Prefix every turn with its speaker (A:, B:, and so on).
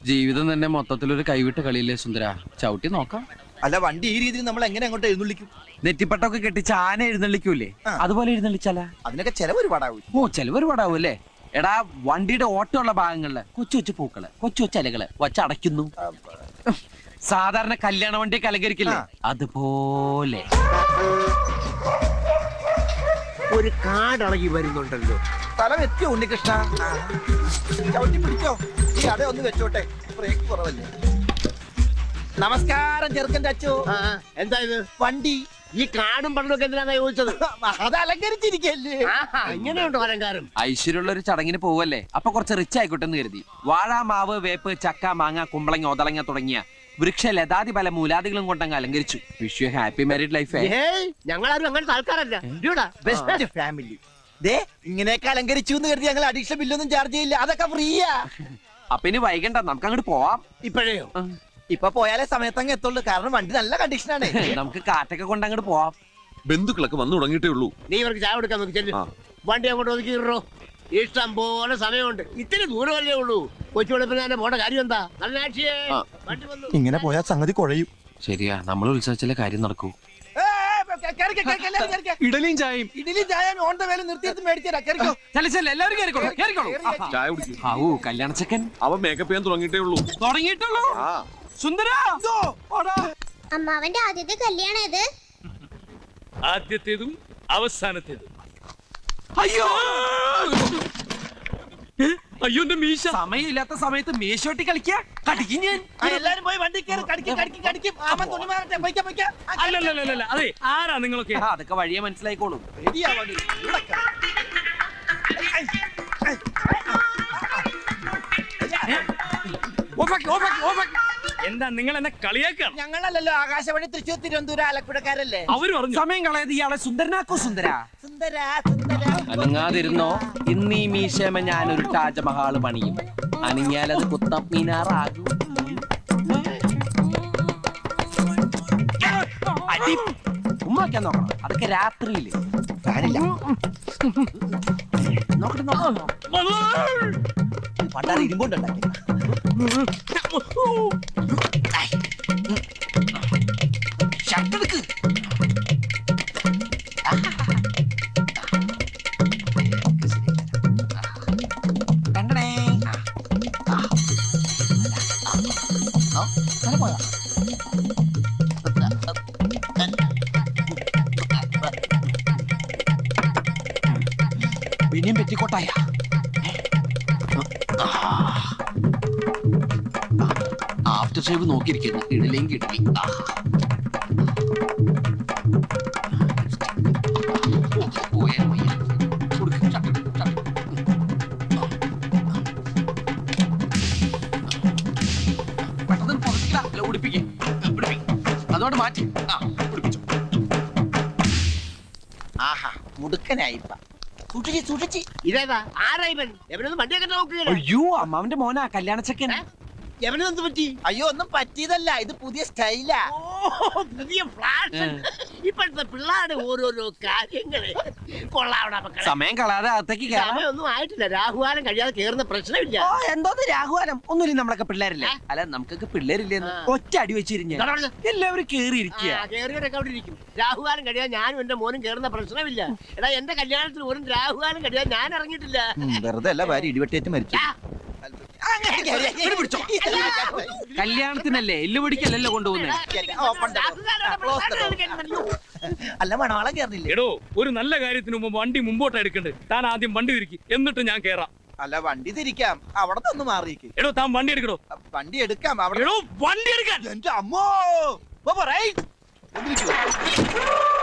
A: ജീവിതം തന്നെ മൊത്തത്തിലൊരു കൈവിട്ട കളിയില്ലേ സുന്ദര. ചവിട്ടി നോക്കാം.
B: അല്ല വണ്ടി ഈ രീതിയിൽ നമ്മൾ എങ്ങനെ അങ്ങോട്ട് എഴുന്നള്ളിക്കും?
A: നെറ്റിപ്പട്ടൊക്കെ കെട്ടിച്ച് ആന എഴുന്നള്ളിക്കൂലേ, അതുപോലെ എഴുന്നള്ളിച്ചാല.
B: അതിനൊക്കെ ചെലവ് ഒരുപാടാവും.
A: ഓ ചെലവ് ഒരുപാടാവും അല്ലേ. എടാ വണ്ടിയുടെ ഓട്ടമുള്ള ഭാഗങ്ങളില് കൊച്ചു കൊച്ചു പൂക്കള്, കൊച്ചു കൊച്ചു ഇലകള് വച്ചടയ്ക്കുന്നു. സാധാരണ കല്യാണ വണ്ടി അലങ്കരിക്കില്ലേ, അതുപോലെ
C: ഒരു കാടളകി വരുന്നുണ്ടല്ലോ.
B: സ്ഥലം എത്തിയോ ഉണ്ണികൃഷ്ണ? ചവിട്ടി പിടിച്ചോ. ഈ അട ഒന്ന് വെച്ചോട്ടെ, ബ്രേക്ക് കുറവല്ലേ. നമസ്കാരം ചെറുക്കൻ്റെ അച്ചോ.
C: എന്താ ഇത്?
B: വണ്ടി.
C: ഈ കാടും പണ്ടൊക്കെ എന്തിനാ ചോദിച്ചത്?
B: അത് അലങ്കരിച്ചിരിക്കല്ലേ.
C: ഇങ്ങനെയുണ്ടോ അലങ്കാരം?
A: ഐശ്വര്യമുള്ള ഒരു ചടങ്ങിന് പോവല്ലേ, അപ്പൊ കുറച്ച് റിച്ച് ആയിക്കോട്ടെ എന്ന് കരുതി. വാഴ, മാവ്, വേപ്പ്, ചക്ക, മാങ്ങ, കുമ്പളങ്ങ, ഒതളങ്ങ തുടങ്ങിയ വൃക്ഷ ലതാതി പല മൂലാദികളും കൊണ്ടങ്ങ് അലങ്കരിച്ചു. Wish you happy married life.
C: ഞങ്ങളാരും അങ്ങനത്തെ ആൾക്കാരല്ല.
B: Best family. ദേ ഇങ്ങനെയൊക്കെ അലങ്കരിച്ചു എന്ന് കരുതി ഞങ്ങൾ അഡീഷണൽ ബില്ലൊന്നും ചാർജ് ചെയ്യില്ല, അതൊക്കെ ഫ്രീയാ.
A: അപ്പൊ ഇനി വൈകണ്ട, നമുക്ക് അങ്ങോട്ട് പോവാം.
C: ഇപ്പോഴേയോ?
B: ഇപ്പൊ പോയാലേ സമയത്തങ്ങ് എത്തുള്ളൂ, കാരണം വണ്ടി നല്ല കണ്ടീഷനാണ്.
A: നമുക്ക് കാറ്റൊക്കെ കൊണ്ട് അങ്ങോട്ട് പോവാം.
D: ബന്ധുക്കളൊക്കെ വന്നു തുടങ്ങിയിട്ടേ ഉള്ളൂ.
C: നീ ഇവർക്ക് ചായ കൊടുക്കാൻ നോക്കി ചെല്ലു. വണ്ടി അങ്ങോട്ട് ഒതുക്കിയിട്ടോ. ഇഷ്ടം പോലെ സമയമുണ്ട്. ഇത്തിരി ദൂരമല്ലേ ഉള്ളൂ. കൊച്ചു വെളുപ്പിനെ പോണ്ട കാര്യം എന്താ?
B: ഇങ്ങനെ പോയാൽ സംഗതി കുഴയും.
A: ശരിയാ, നമ്മൾ ഉത്സവിച്ചാലേ കാര്യം നടക്കൂ.
D: ഇഡലിയും ചായയും.
B: ഇഡലിയും ചായയും ഓൺ ദ വേല നിർത്തിയിട്ട് മേടിച്ചാ.
D: ചായ കുടിക്കും.
A: ആവൂ കല്യാണച്ചക്കൻ.
D: അവൻ മേക്കപ്പ് ചെയ്യാൻ തുടങ്ങിയിട്ടേ ഉള്ളൂ.
A: തുടങ്ങിയിട്ടുള്ളൂ. സുന്ദര,
E: അമ്മാവന്റെ ആദ്യത്തെ കല്യാണം ഇത്.
F: ആദ്യത്തേതും അവസാനത്തേതും.
A: അയ്യോ
F: അയ്യോ എന്റെ മീശ.
A: സമയമില്ലാത്ത സമയത്ത് മേശോട്ടി കളിക്കാ. കടിക്കും ഞാൻ.
B: എല്ലാരും പോയി വണ്ടി കയറി കടിക്കും.
F: അല്ലല്ല അതെ, ആരാ നിങ്ങളൊക്കെ?
A: അതൊക്കെ വഴിയെ മനസ്സിലായിക്കോളും.
F: എന്താ നിങ്ങൾ എന്നെ കളിയാക്കാണ്?
B: ഞങ്ങളല്ലല്ലോ, ആകാശവാണി തൃശ്ശൂർ തിരുവനന്തപുരം ആലപ്പുഴക്കാരല്ലേ.
F: അവര് പറഞ്ഞു
A: സമയം കളയത് ഇയാളെ സുന്ദരനാക്കോ. സുന്ദര
B: സുന്ദര
A: അനങ്ങാതിരുന്നോ. ഇന്നീ മീശമ ഞാനൊരു താജ്മഹാള് പണിയും. അണിഞ്ഞാലത് കുത്തബ് മീനാറാകും. ഉമ്മാക്കാൻ നോക്കണം, അതൊക്കെ രാത്രിയില്.
B: ഫാനില്ല. പണ്ടാറ് ഇരുമ്പുണ്ടാക്കി. ഷർട്ടെടുക്ക്. കണ്ടണേ. പോയാ പിന്നെയും പെറ്റിക്കോട്ടായ. After shave നോക്കിയിരിക്കുന്നു. ഇടലേം കിടലി. പെട്ടെന്ന് പുറത്തില്ല, ഉടുപ്പിക്കും. അതോട് മാറ്റി ഉടുപ്പിച്ചു. ആഹാ മുടുക്കനായിപ്പ. സൂക്ഷിച്ച്.
C: ഇതേതാ? ആരാ ഇവൻ? എവനൊന്നും വണ്ടിയൊക്കെ നോക്കുകയാണ്.
A: അയ്യോ അമ്മാവന്റെ മോനാ കല്യാണച്ചക്കൻ.
C: എവനെന്ത് പറ്റി?
B: അയ്യോ ഒന്നും പറ്റിയതല്ല, ഇത് പുതിയ സ്റ്റൈലാ.
C: പുതിയ ഫ്ലാഷ്. ഇപ്പോഴത്തെ പിള്ളേരുടെ ഓരോരോ കാര്യങ്ങള് കൊള്ളാവണ.
A: സമയം കളയാതെ അകത്തേക്ക് കയറാം.
C: സമയമൊന്നും ആയിട്ടില്ല. രാഹുകാലം കഴിയാതെ കേറുന്ന പ്രശ്നമില്ല.
A: എന്തോന്ന് രാഘുവാനം? ഒന്നുമില്ല, നമ്മളൊക്കെ പിള്ളേരല്ലേ. അല്ല നമുക്കൊക്കെ പിള്ളേരില്ലെന്ന് ഒറ്റ അടി വെച്ചിരിഞ്ഞ എല്ലാവരും കേറിയിരിക്കുക.
C: കേറിയവരൊക്കെ അവിടെ ഇരിക്കും. രാഹുകാലം കഴിയാൻ ഞാനും എന്റെ മോനും കേറുന്ന പ്രശ്നമില്ല. എടാ എന്റെ കല്യാണത്തിന് ഒരു രാഹുകാലം കഴിയാൻ ഞാൻ ഇറങ്ങിയിട്ടില്ല.
B: വെറുതെ അല്ല, ഭാര്യ ഇടിവെട്ടേറ്റ് മരിച്ചു.
A: കല്യാണത്തിനല്ലേ, എല്ലു പിടിക്കല്ലല്ലോ കൊണ്ടുപോകുന്നത്.
B: അല്ല മണവാളം കേറില്ലേ?
F: എടോ, ഒരു നല്ല കാര്യത്തിന് മുമ്പ് വണ്ടി മുമ്പോട്ട് എടുക്കണ്ടേ? താൻ ആദ്യം വണ്ടി തിരിക്കും, എന്നിട്ട് ഞാൻ കേറാം.
B: അല്ല വണ്ടി തിരിക്കാം, അവിടെ നിന്ന് മാറിയേക്ക്.
F: എടോ താൻ വണ്ടി എടുക്കടോ.
B: വണ്ടി എടുക്കാം അവിടെ.
F: വണ്ടി എടുക്കാൻ.
B: എന്റെ അമ്മോ.